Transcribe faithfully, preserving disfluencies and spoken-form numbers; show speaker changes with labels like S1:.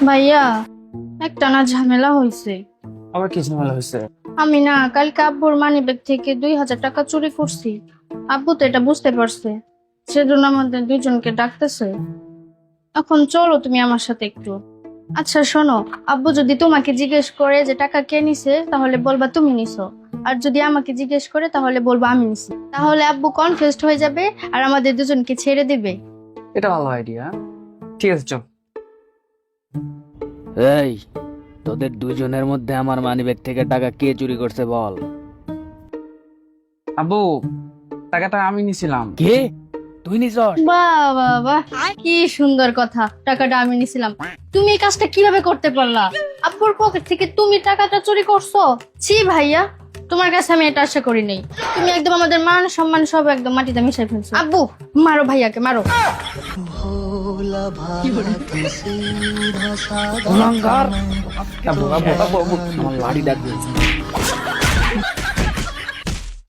S1: ভাইয়া, একটা না ঝামেলা হয়েছে।
S2: আবার কি ঝামেলা হয়েছে?
S1: আমি না কালকে আব্বুর মানিব্যাগ থেকে দুই হাজার টাকা চুরি করছি। আব্বু তো এটা বুঝতে পারছে, সেজন্য আমাদের দুইজনকে ডাকতেছে। এখন চলো তুমি আমার সাথে একটু। আচ্ছা শোনো, আব্বু যদি তোমাকে জিজ্ঞেস করে যে টাকা কে নিছে, তাহলে বলবা তুমি নিছো। আর যদি আমাকে জিজ্ঞেস করে তাহলে বলবা আমি নিছি। তাহলে আব্বু কনফিউজড হয়ে যাবে আর আমাদের দুজনকে ছেড়ে দিবে।
S2: এটা ভালো আইডিয়া। ঠিক আছে, চল।
S3: এই, তোদের দুজনের মধ্যে আমার মানিব্যাগ থেকে টাকা কে চুরি করছে বল।
S2: আব্বু, টাকাটা আমি নিছিলাম।
S3: কে? তুই নিছস?
S1: বাহ বাহ বাহ, কি সুন্দর কথা। টাকাটা আমি নিছিলাম। তুমি এই কাজটা কিভাবে করতে পারলা? আব্বুর পকেট থেকে তুমি টাকাটা চুরি করছো? ছি ভাইয়া, তোমার কাছে আমি এটা আশা করি নাই। তুমি একদম আমাদের মান সম্মান সব একদম মাটিতে মিশাই ফেলছো। আব্বু, মারো ভাইয়াকে, মারো।
S3: কুলাঙ্গার!
S2: আব্বু, আব্বু, আব্বু, আব্বু।
S3: আমার লাড়ি ডাকবে।